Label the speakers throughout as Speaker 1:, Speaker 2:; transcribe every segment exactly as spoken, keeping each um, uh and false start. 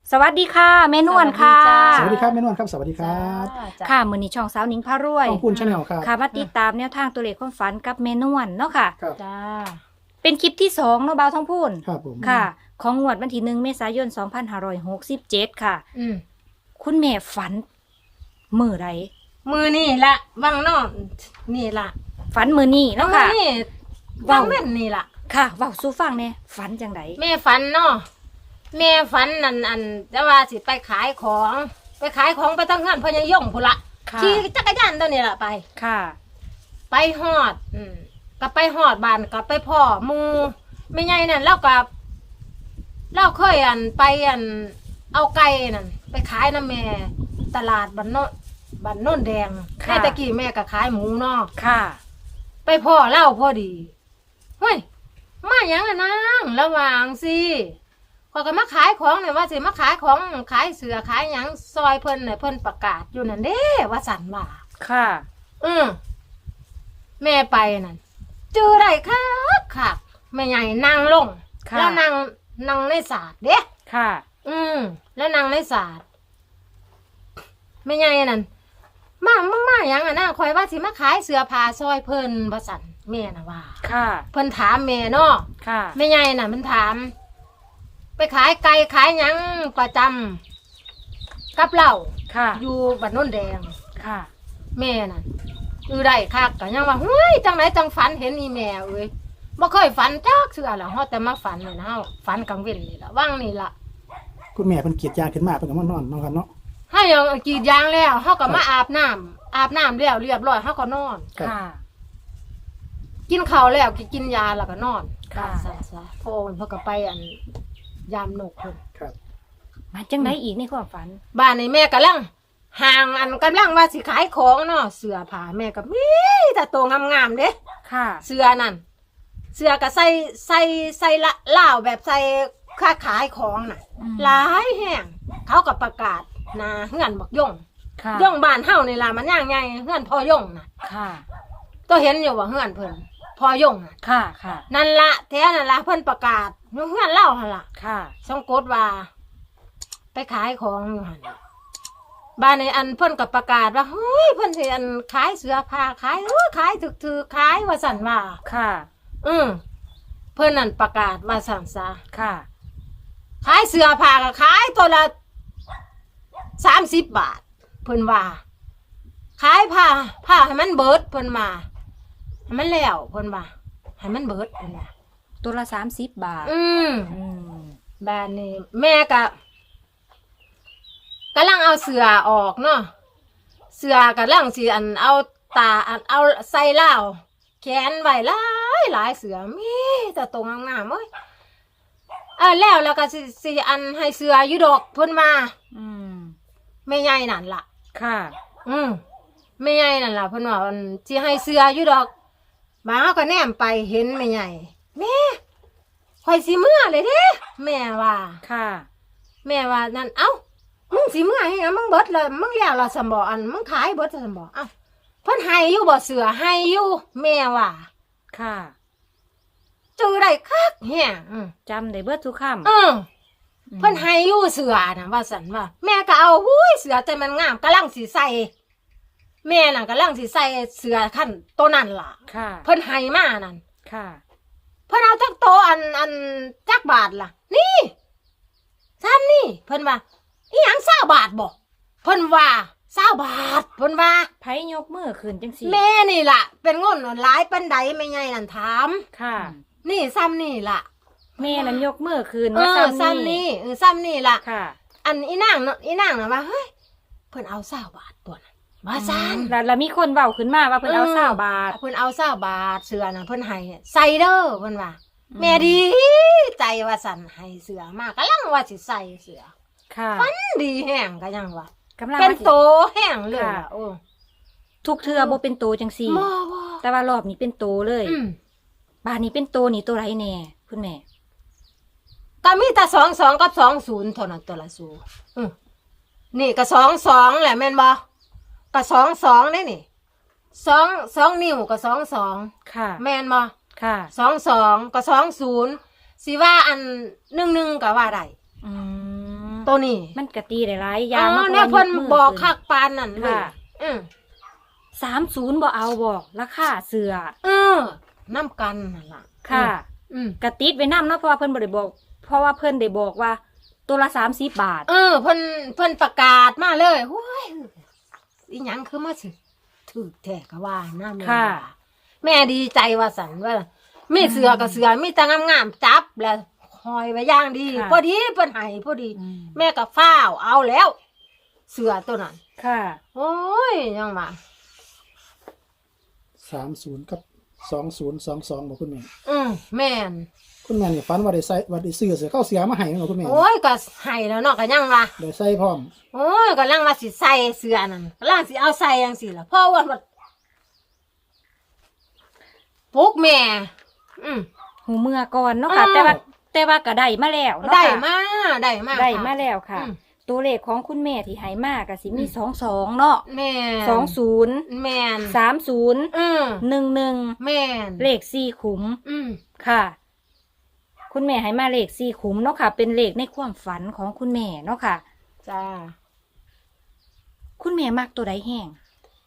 Speaker 1: สวัสดีค่ะแม่นวลค่ะ
Speaker 2: สวัสดีครับแม่นวลครับสวัสดีครับ
Speaker 1: ค่ะมื้อนี้ช่องสาวหนิงพารวย
Speaker 2: ของคุณชาแนลครับ
Speaker 1: ค่ะมาติดตามแนวทางตัวเลขความฝันกับแม่นวลเนาะค่ะ
Speaker 2: ครับ
Speaker 3: จ้า
Speaker 1: เป็นคลิปที่สองเนาะบ่าวท้องพูน
Speaker 2: ครับผม
Speaker 1: ค่ะ ของงวดวันที่หนึ่งเมษายนสองพันห้าร้อยหกสิบเจ็ดค่ะ
Speaker 3: อืม
Speaker 1: คุณแม่ฝันมื้อใด
Speaker 3: มือนี่ละวังนอกนี่ละ
Speaker 1: ฝันมื้อนี้เนาะ
Speaker 3: มื
Speaker 1: ค่ะ
Speaker 3: นี่
Speaker 1: ว้า
Speaker 3: วั
Speaker 1: ว
Speaker 3: งเว้นนี่ละ
Speaker 1: ค่ะเว้าสู่ฟังแหน่ฝันจังได
Speaker 3: แม่ฝันเนาะแม่ฝันนั่นอันจะว่าสิไปขายของ ไปขายของไปตั้งงานพญายงพุ่นละ
Speaker 1: ค่ะ
Speaker 3: ขี่จักรยานตัวนี้ละไป
Speaker 1: ค่ะ
Speaker 3: ไปฮอด อืมก็ไปฮอดบ้านก็ไปพ่อหมูไม่ไงนั่นแล้วก็เราเคยอันไปอัน เอาไก่นั่นไปขายน้ำแม่ ตลาดบ้านโนนบ้านโน่นแดงแม่ตะกี้แม่ก็ขายหมูเนาะ
Speaker 1: ค่ะ
Speaker 3: ไปพ่อเล่าพอดีเฮ้ยมาอย่างอะนางระหว่างสิพอก็มาขายของเนี่ยว่าสิมาขายของขายเสือขายหยังซอยเพิ่นเนี่ยเพิ่นประกาศอยู่นั่นเด้ว่าสันว่า
Speaker 1: ค่ะ
Speaker 3: อืมแม่ไปนั่นเจอได้ค่ะค่ะแม่ใหญ่นั่งลง
Speaker 1: ค่ะ
Speaker 3: แล้วนั่งนั่งในศาสตร์เด้
Speaker 1: ค่ะ
Speaker 3: อืมแล้วนั่งในศาสตร์แม่ใหญ่นั่นมามามาอย่างอะนางคอยว่าสิมาขายเสือผ้าซอยเพิ่นว่าสันแม่น่ะว่า
Speaker 1: ค่ะ
Speaker 3: เพิ่นถามแม่เนาะ
Speaker 1: ค่ะ
Speaker 3: แม่ใหญ่น่ะมันถาม ไปขายไก่ขายหยังประจำกับเหล้า
Speaker 1: ค่ะ
Speaker 3: อยู่บ้านโน่นแดง
Speaker 1: ค่ะ
Speaker 3: แม่น่ะอือได้คักก็ยังว่าเฮ้ยจังไหนจังฝันเห็นอีแม่เอ้ยบ่เคยฝันจักเทื่อละเฮาแต่มาฝันนี่นะเฮาฝันกลางเว้นนี่ล่ะว่างนี่ล่ะ
Speaker 2: คุณแม่เป็นเกียรติยางขึ้นมาเป็นกับมานอนเนาะครับเนาะ
Speaker 3: เฮายังกรีดยางแล้วเฮาก็มาอาบน้ำอาบน้ำแล้วเรียบร้อยเฮาก็นอน
Speaker 2: ครับ
Speaker 1: ค่ะ
Speaker 3: กินข้าวแล้วก็กินยาแล้วก็นอน
Speaker 1: ค่ะ
Speaker 3: ซั่นซะพอเพิ่นก็ไปอันยามนกเพิ่น
Speaker 2: ครับ
Speaker 1: มาจังไดอีกในความฝัน
Speaker 3: บ้านนี่แม่กำลังห่างอันกำลังว่าสิขายของเนาะเสื้อผ้าแม่ก็มีแต่ตัวงามๆเด้
Speaker 1: ค่ะ
Speaker 3: เสื้อนั่นเสื้อก็ใส่ใส่ใส่ละล่าวแบบใส่ค้าขายของน่ะ
Speaker 1: อืม
Speaker 3: หลายแห่งเขาก็ประกาศหนาเฮือนบักย่ง
Speaker 1: ค่ะ
Speaker 3: ย่งบ้านเฮานี่ล่ะมันย่างใหญ่เฮือนพ่อย่งน่ะ
Speaker 1: ค่ะ
Speaker 3: ตัวเห็นอยู่ว่าเฮือนเพิ่นพ่อย่งน่ะ
Speaker 1: ค่ะ ค่ะ
Speaker 3: นั่นละแท้นั่นละเพิ่นประกาศอยู่เฮือนเล่าหั่นล่ะ
Speaker 1: ค่ะ
Speaker 3: สงกดว่า ไปขายของอยู่หั่นบ้านในอันเพิ่นก็ประกาศว่าเฮ้ยเพิ่นสิอันขายเสื้อผ้าขายเออขายถึกๆขายว่าสั่นว่า
Speaker 1: ค่ะ
Speaker 3: อืมเพิ่นนั่นประกาศว่าสั่นซะ
Speaker 1: ค่ะ
Speaker 3: ขายเสื้อผ้าก็ขายตัวละสามสิบบาท เพิ่นว่า ขายผ้าผ้าให้มันเบิดเพิ่นมาให้มันแล้วเพิ่นว่าให้มันเบิดเพิ่นว่า
Speaker 1: ตัวละสามสิบบาท
Speaker 3: อืม
Speaker 1: อืม
Speaker 3: บ้านนี้แม่ก็กำลังเอาเสือออกเนาะเสือกำลังสิอันเอาตาอันเอาใส่เหล้าแขนไว้หลายหลายเสือมีแต่ตรงงามๆเอ้ยเออแล้วแล้วก็สิสิอันให้เสืออยู่ดอกเพิ่นมา
Speaker 1: อืม
Speaker 3: แม่ใหญ่นั่นล่ะ
Speaker 1: ค่ะ
Speaker 3: อืมแม่ใหญ่นั่นล่ะเพิ่นว่าอันสิให้เสืออยู่ดอกมาเฮาก็แนมไปเห็นแม่ใหญ่แม่ข่อยสิเมื่อเลยเด้แม่ว่า
Speaker 1: ค่ะ
Speaker 3: แม่ว่านั่นเอ้ามึงสิเมื่อให้หยังมึงเบิดเลยมึงแล้วล่ะสมบ่อันมึงขายเบิดสมบ่เอ้าเพิ่นให้อยู่บ่เสือให้อยู่แม่ว่า
Speaker 1: ค่ะ
Speaker 3: จื้อได้คักแฮงอืม
Speaker 1: จำได้เบิดทุกคำ
Speaker 3: เออเพิ่นให้อยู่เสือน่ะว่าซั่นว่าแม่ก็เอาหุ้ยเสือแต่มันงามกำลังสิใส่แม่น่ะกำลังสิใส่เสือคันตัวนั้นล่ะ
Speaker 1: ค่ะ
Speaker 3: เพิ่นให้มานั่น
Speaker 1: ค่ะ
Speaker 3: เพิ่นเอาจักโตอันอันจักบาทล่ะ นี่ซ้ำนี่เพิ่นว่าอีหยังเศร้าบาทบ่เพิ่นว่าเศร้าบาทเพิ่นว่า
Speaker 1: ไผยกมือขึ้นจังสี่
Speaker 3: แม่นี่ล่ะ เป็นงนหลายปันใดไม่ไงนั่นถาม
Speaker 1: ค่ะ
Speaker 3: นี่ซ้ำนี่ล่ะ
Speaker 1: แม่นั้นยกมือขึ้น
Speaker 3: เอ
Speaker 1: ว่า
Speaker 3: อ
Speaker 1: ซ้ำ
Speaker 3: ซ้ำนี่เออซ้ำนี่ล่ะ
Speaker 1: ค่ะ
Speaker 3: อันอีนางเนาะอีนางน่ะว่าเฮ้ยเพิ่นเอาเศร้าบาทตัวนั้นว่าซัน
Speaker 1: แล้วแล้วมีคนเว้าขึ้นมาว่าเพิ่นเอาเศร้าบาท
Speaker 3: เพิ่นเอาเศร้าบาทเสือน่ะเพิ่นให้ใส่เด้อเพิ่นว่า
Speaker 1: อืม
Speaker 3: แม่ดีใจว่าสั่นให้เสือมากกำลังว่าสิใส่เสือ
Speaker 1: ค่ะ
Speaker 3: ฟันดีแห้งก็ยังว่า
Speaker 1: กำลัง
Speaker 3: เป็น
Speaker 1: ว่าสิ
Speaker 3: โตแห้งเลย
Speaker 1: ค่ะ
Speaker 3: ล่ะโอ้
Speaker 1: ทุกเทือบ่เป็นโตจังสี่
Speaker 3: บ่บ่
Speaker 1: แต่ว่ารอบนี้เป็นโตเลย
Speaker 3: อืม
Speaker 1: บาทนี้เป็นโตนี่ตัวไรแน่คุณแม่
Speaker 3: ก็มีแต่สองสองกับสองศูนย์เท่านั้นตัวละสูอืมนี่ก็สองสองแหละแม่นบ่ก็สองสองนี่นี่สองสองนิ้วก็สองสอง
Speaker 1: ค่ะ
Speaker 3: แม่นบ่
Speaker 1: ค่ะ
Speaker 3: สองสองก็สองศูนย์สิว่าอันหนึ่งหนึ่งก็ว่าได้
Speaker 1: อืม
Speaker 3: ตัวนี้
Speaker 1: มันกะตีได้หลายอ
Speaker 3: อ๋
Speaker 1: ย่าง
Speaker 3: อ
Speaker 1: มา
Speaker 3: เนี่ยเพิ่น
Speaker 1: มื
Speaker 3: บอก
Speaker 1: ขึ้น
Speaker 3: คักปานนั่นเลย
Speaker 1: ค่ะ
Speaker 3: อืม
Speaker 1: สามศูนย์บ่เอาบอกราคาเสือ
Speaker 3: เออน้ำกันนั่นล่ะ
Speaker 1: ค่ะ
Speaker 3: อืม
Speaker 1: กะติดไว้นำเนาะเพราะว่าเพิ่นบ่ได้บอก เพราะว่าเพิ่นได้บอกว่า ตัวละสามสิบบาท
Speaker 3: เออเพิ่นเพิ่นประกาศมาเลยโอ้ยอีหยังคือมาสิถือแท้ก็ว่านะแม่
Speaker 1: ค่ะ
Speaker 3: ว่าแม่ดีใจว่าสันว่ามีเสือกับเสือมีแต่งามๆจับแล้วคอยไว้อย่างดี
Speaker 1: ค่ะ
Speaker 3: พอดีเพิ่นให้พอดี
Speaker 1: อืม
Speaker 3: แม่ก็ฟ้าวเอาแล้ว เสือตัวนั้น
Speaker 1: ค่ะ
Speaker 3: โอ้ยยังมา
Speaker 2: สามศูนย์กับสองศูนย์สองสองบอกคุณแม่
Speaker 3: อืมแม่น
Speaker 2: คุณแม่นี่ฝันว่าได้ใส่ว่าได้ซื้อเสือเข้าเสียมาให้เนาะคุณแม่
Speaker 3: โอ้ยก็ให้แล้วเนาะก็ยังว่า
Speaker 2: ได้ใส่พร้อม
Speaker 3: โอ้ยกำลังว่าสิใส่เสื้อนั่นกำลังสิเอาใส่จังซี่ล่ะเพราะว่ามันปลุกแม่ อืม
Speaker 1: หูเมื่อก่อนเนาะค่ะ
Speaker 3: อ้าว
Speaker 1: แต่ว่าแต่ว่าก็ได้มาแล้วเนาะ
Speaker 3: ได้
Speaker 1: ค่ะ
Speaker 3: มาได้มา
Speaker 1: ได้
Speaker 3: ค่ะ
Speaker 1: มาแล้วค่ะ
Speaker 3: อืม
Speaker 1: ตัวเลขของคุณแม่ที่ให้มาก็สิมี
Speaker 3: อืม
Speaker 1: สองสองเนาะ
Speaker 3: แม่น
Speaker 1: สองศูนย์
Speaker 3: แม่น
Speaker 1: สามศูนย์
Speaker 3: อืม
Speaker 1: หนึ่งหนึ่ง
Speaker 3: แม่น
Speaker 1: เลขสี่ขุม
Speaker 3: อืม
Speaker 1: ค่ะ คุณแม่ให้มาเลขสี่ขุมเนาะค่ะ เป็นเลขในความฝันของคุณแม่เนาะค่ะ
Speaker 3: จ้า
Speaker 1: คุณแม่มักตัวใดแห้ง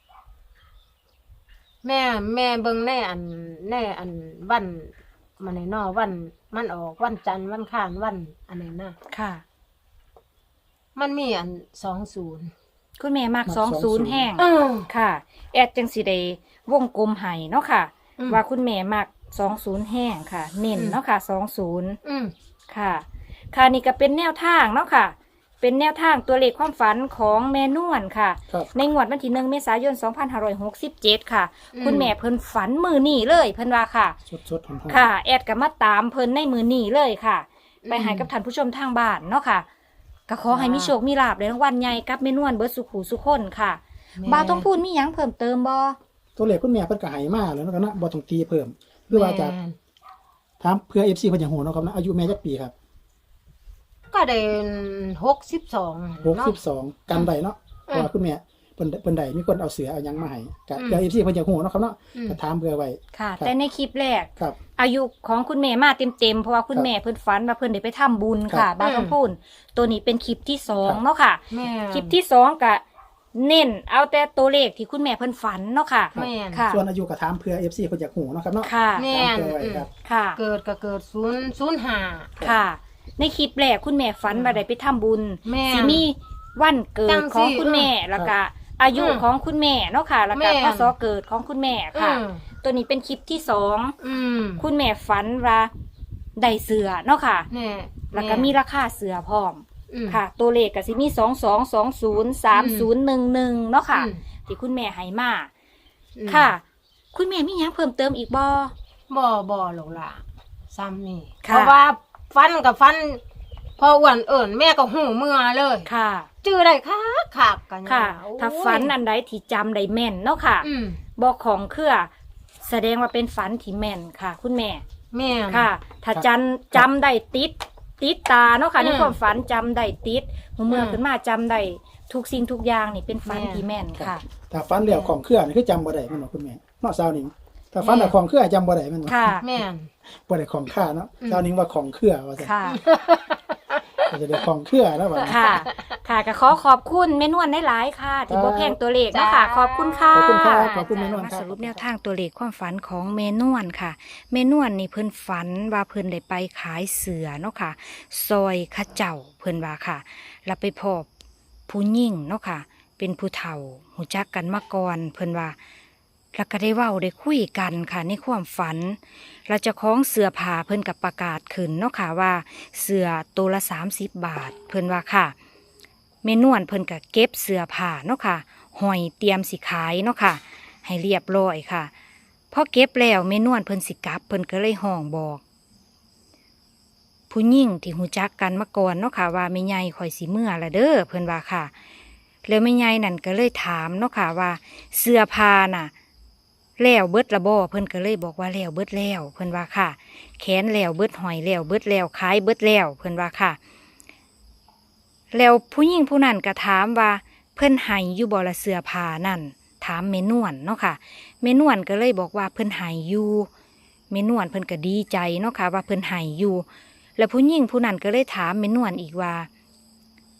Speaker 3: แม่แม่เบิ่งในอันในอันวันมันไหนเนอวัน มันออกวันจันทร์วันข้านวันอันไหนนะ
Speaker 1: ค่ะ
Speaker 3: มันมีอันสองศูนย์
Speaker 1: คุณแม่มักสองศูนย์แห้ง
Speaker 3: อืม
Speaker 1: ค่ะ แอดจังสิได้วงกลมให้เนาะค่ะ
Speaker 3: อืม
Speaker 1: ว่าคุณแม่มักสองศูนย์แห้งค่ะ เน้น
Speaker 3: อืม
Speaker 1: เนาะค่ะสองศูนย์
Speaker 3: อืม
Speaker 1: ค่ะ ค่ะนี่ก็เป็นแนวทางเนาะค่ะ เป็นแนวทางตัวเลขความฝันของแม่นวลค่ะ
Speaker 2: ครับ
Speaker 1: ในงวดวันที่หนึ่งเมษายนสองพันห้าร้อยหกสิบเจ็ดค่ะ
Speaker 3: อืม
Speaker 1: คุณแม่เพิ่นฝันมือนี่เลย เพิ่นว่าค่ะ
Speaker 2: สดสดหอมๆ
Speaker 1: ค่ะ แอดก็มาตามเพิ่นในมือนี่เลยค่ะ ไปให้กับท่านผู้ชมทางบ้านเนาะค่ะก็ขอให้มีโชคมีลาภในรางวัลใหญ่กับแม่นวลเบิดสุขหูสุขคนค่ะ
Speaker 3: แม่
Speaker 1: บ่าวต้องพูดมีหยังเพิ่มเติมบ่
Speaker 2: ตัวเลขคุณแม่เพิ่นก็ให้มาแล้วเนาะครับเนาะบ่ต้องตีเพิ่มหรือว่าจะ
Speaker 3: แม่น
Speaker 2: ถามเพื่อ เอฟ ซี เพิ่นอยากฮู้เนาะครับเนาะอายุแม่จักปีครับ
Speaker 3: ก็ได้หกสิบสอง
Speaker 2: หกสิบสองกันได้เนาะเพ
Speaker 3: อืม
Speaker 2: ราะว่าคุณแม่เพิ่นเพิ่นได้มีคนเอาเสือเอาหยังมาให้ก็
Speaker 3: อืม
Speaker 2: เพื่อ เอฟ ซี เพิ่นอยากฮู้เนาะครับเนาะ
Speaker 3: อืม
Speaker 2: ก็ถามเพื่อไว้
Speaker 1: ค่ะ
Speaker 2: ครับ
Speaker 1: แต่ในคลิปแรก
Speaker 2: ครับ
Speaker 1: อายุของคุณแม่มาเต็มๆเพราะว่าคุณ
Speaker 2: ครับ
Speaker 1: แม่เพิ่นฝันว่าเพิ่นได้ไปทำบุญ
Speaker 2: ครั
Speaker 1: ค่ะ
Speaker 2: บ
Speaker 1: บ่าวต้องพูดตัวนี้เป็นคลิปที่สอง
Speaker 2: ครับ
Speaker 1: เนาะค่ะ
Speaker 3: แม่
Speaker 1: คลิปที่สองก็เน้นเอาแต่ตัวเลขที่คุณแม่เพิ่นฝันเนาะค่ะ
Speaker 3: แม่น
Speaker 1: ค่ะ
Speaker 2: ส่วนอายุก็ถามเพื่อ เอฟ ซี เพิ่นอยากฮู้เนาะครับเนาะ
Speaker 1: ค่ะ
Speaker 3: แม่
Speaker 2: ถามเพื่อไว้ครับ
Speaker 1: ค่ะ
Speaker 3: เกิดก็เกิดศูนย์ศูนย์ห้า
Speaker 1: ค่ะ ในคลิปแรกคุณแม่ฝันว่าได้ไปทำบุญ
Speaker 3: แม่
Speaker 1: สิมีวันเกิ
Speaker 3: จั
Speaker 1: ด
Speaker 3: ง
Speaker 1: ของ
Speaker 3: สิ
Speaker 1: คุณแม่แล้วก็อายุ
Speaker 3: อืม
Speaker 1: ของคุณแม่เนาะค่ะ แล้วก็
Speaker 3: แม่
Speaker 1: พศเกิดของคุณแม่
Speaker 3: อื
Speaker 1: ค่ะ
Speaker 3: ม
Speaker 1: ตัวนี้เป็นคลิปที่สอง
Speaker 3: อืม
Speaker 1: คุณแม่ฝันว่าได้เสือเนาะค่ะ
Speaker 3: แม่
Speaker 1: แล้วก็มีราคาเสือพร้อม
Speaker 3: อืม
Speaker 1: ค่ะ ตัวเลขก็สิมีสองสองสองศูนย์สามศูนย์หนึ่งหนึ่งเนาะค่ะ
Speaker 3: อืม
Speaker 1: ที่คุณแม่ให้มา
Speaker 3: อืม
Speaker 1: ค่ะ คุณแม่มีหยังเพิ่มเติมอีกบ่
Speaker 3: บ่บ่หรอกล่ะซ้ำนี่
Speaker 1: ค่ะ
Speaker 3: เพราะว่าฟันกับฟัน พออ้วนเอิ่นแม่ก็หูเมื่อเลย
Speaker 1: ค่ะ
Speaker 3: จื้อได้คักคักกัน
Speaker 1: ค่ะ
Speaker 3: โอ้ย
Speaker 1: ถ้าฝันอันใดที่จำได้แม่นเนาะค่ะ
Speaker 3: อืม
Speaker 1: บอกของเครือแสดงว่าเป็นฝันที่แม่นค่ะ คุณแม่
Speaker 3: แม่น
Speaker 1: ค่ะ ถ้าจันจำได้ติด ติดตาเนาะค่ะ
Speaker 3: อืม
Speaker 1: ในความฝันจำได้ติดหูเมื่ออ
Speaker 3: ม
Speaker 1: ขึ้นมาจำได้ทุกสิ่งทุกอย่างนี่เป็นฝัน
Speaker 3: แม่
Speaker 1: ที่แม่นค่ะ
Speaker 2: ถ้าฟันแล้วของเครือนี่คือจำบ่ได้แม่นบ่คุณแม่เนาะสาวหนิงถ้าฟันแล้วของเครือจำบ่ได้แม่นบ่
Speaker 1: ค่ะ
Speaker 3: แม่น
Speaker 2: บ่ได้ของค่าเนาะ
Speaker 3: อืม
Speaker 2: สาวหนิงว่าของเครือว่าซั่น
Speaker 1: ค่ะ
Speaker 2: ก็จะได้ของเครือแล้วว่า
Speaker 1: ค่ะ ค่ะก็ขอขอบคุณแม่นวลได้หลายๆค่ะ ที่บ่แพงตัวเลขเนาะค่ะ
Speaker 3: จ้า
Speaker 1: ขอบคุณค่ะ
Speaker 2: ขอบคุณครับขอบคุณแม่นวล
Speaker 1: มา
Speaker 2: ครั
Speaker 1: ส
Speaker 2: บ
Speaker 1: รุปแนวทางตัวเลขความฝันของเมนวนค่ะเมนวนนี่เพิ่นฝันว่าเพิ่นได้ไปขายเสือเนาะค่ะ ซอยเข้าเจ้าเพิ่นว่าค่ะ แล้วไปพบผู้หญิงเนาะค่ะ เป็นผู้เฒ่าหูจักกันมาก่อนเพิ่นว่าแล้วก็ได้เว้าได้คุยกันค่ะในความฝันเราจะคล้องเสือผ้าเพิ่นกับประกาศขึ้นเนาะค่ะว่า เสือตัวละสามสิบบาท เพิ่นว่าค่ะเมนวนเพิ่นก็เก็บเสือผ้าเนาะค่ะห้อยเตรียมสิขายเนาะค่ะ ให้เรียบร้อยค่ะพอเก็บแล้วเมนวนเพิ่นสิกลับเพิ่นก็เลยห้องบอก ผู้หญิงที่หูจักกันมาก่อนเนาะค่ะว่าแม่ใหญ่ข่อยสิเมื่อละเด้อเพิ่นว่าค่ะ แล้วแม่ใหญ่นั่นก็เลยถามเนาะค่ะว่าเสื้อผ้าน่ะแล้วเบิดละบ่เพิ่นก็เลยบอกว่าแล้วเบิดแล้วเพิ่นว่าค่ะ แขนแล้วเบิดหอยแล้วเบิดแล้วขายเบิดแล้วเพิ่นว่าค่ะ แล้วผู้หญิงผู้นั้นก็ถามว่าเพิ่นให้อยู่บ่ละเสื้อผ้านั่นถามแม่นวลเนาะค่ะแม่นวลก็เลยบอกว่าเพิ่นให้อยู่แม่นวลเพิ่นก็ดีใจเนาะค่ะว่าเพิ่นให้อยู่ แล้วผู้หญิงผู้นั้นก็เลยถามแม่นวลอีกว่า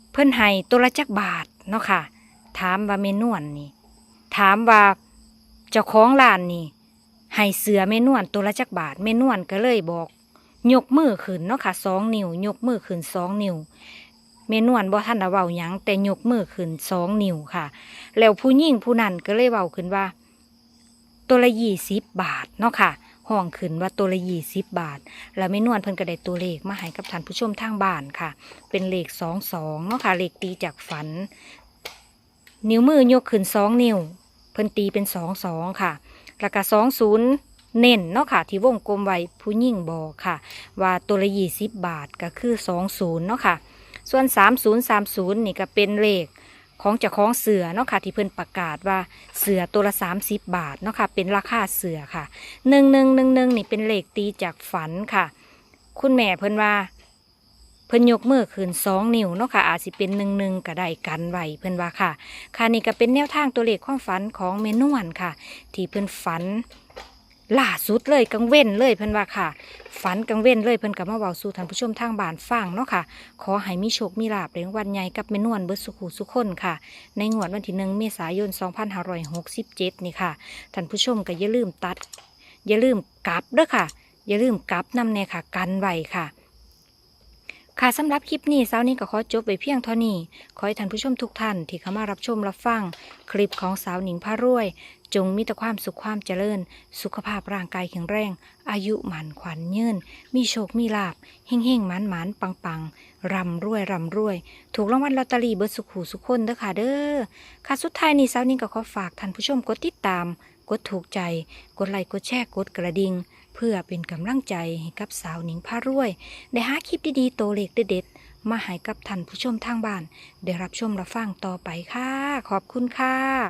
Speaker 1: เพิ่นให้ตัวละจักบาทเนาะค่ะถามว่าเมนวนนี่ถามว่าเจ้าของร้านนี่ให้เสือเมนวนตัวละจักบาทเมนวนก็เลยบอกยกมือขึ้นเนาะค่ะสองนิ้วยกมือขึ้นสองนิ้วเมนวนบ่ทันได้เว้าหยังแต่ยกมือขึ้นสองนิ้วค่ะแล้วผู้หญิงผู้นั้นก็เลยเว้าขึ้นว่าตัวละยี่สิบบาทเนาะค่ะห้องขึ้นว่าตัวละยี่สิบบาทแล้วเมนวนเพิ่นก็ได้ตัวเลขมาให้กับท่านผู้ชมทางบ้านค่ะเป็นเลขสองสองเนาะค่ะเลขตีจากฝันนิ้วมือยกขึ้นสองนิ้วเพิ่นตีเป็นสองสองค่ะแล้วก็สองศูนย์เน้นเนาะค่ะที่วงกลมไว้ผู้หญิงบอกค่ะว่าตัวละยี่สิบบาทก็คือสองศูนย์เนาะค่ะส่วนสามศูนย์สามศูนย์นี่ก็เป็นเลขของเจ้าของเสือเนาะค่ะที่เพิ่นประกาศว่าเสือตัวละสามสิบบาทเนาะค่ะเป็นราคาเสือค่ะหนึ่งหนึ่งหนึ่งหนึ่งนี่เป็นเลขตีจากฝันค่ะคุณแม่เพิ่นว่าเพิ่นยกมือขึ้นสองนิ้วเนาะค่ะอาจสิเป็นหนึ่งหนึ่งก็ได้กันไว้เพิ่นว่าค่ะค่ะนี่ก็เป็นแนวทางตัวเลขความฝันของเมนวนค่ะที่เพิ่นฝันล่าสุดเลยกังเว้นเลยเพิ่นว่าค่ะฝันกังเว้นเลยเพิ่นก็มาเว้าสู่ท่านผู้ชมทางบ้านฟังเนาะค่ะขอให้มีโชคมีลาภในวันใหญ่กับเมนวนเบิดสุขุสุขคนค่ะในงวดวันที่หนึ่งเมษายนสองพันห้าร้อยหกสิบเจ็ดนี่ค่ะท่านผู้ชมก็อย่าลืมตัดอย่าลืมกลับเด้อค่ะอย่าลืมกลับนำแน่ค่ะกันไว้ค่ะค่ะสำหรับคลิปนี้เช้านี้ก็ขอจบไปเพียงเท่านี้ขอให้ท่านผู้ชมทุกท่านที่เข้ามารับชมรับฟังคลิปของสาวหนิงพารวยจงมีแต่ความสุขความเจริญสุขภาพร่างกายแข็งแรงอายุหมันขวัญยืนมีโชคมีลาภเฮ่งเฮ่งหมันหมันปังปังร่ำรวยร่ำรวยถูกรางวัลลอตเตอรี่เบิดสุขหูสุขคนเด้อค่ะเด้อค่ะสุดท้ายนี้เช้านี้ก็ขอฝากท่านผู้ชมกดติดตามกดถูกใจกดไลค์กดแชร์กดกระดิ่งเพื่อเป็นกำลังใจให้กับสาวหนิงพารวยได้หาคลิปดีๆโตเล็กเด็ดๆมาให้กับท่านผู้ชมทางบ้านได้รับชมรับฟังต่อไปค่ะขอบคุณค่ะ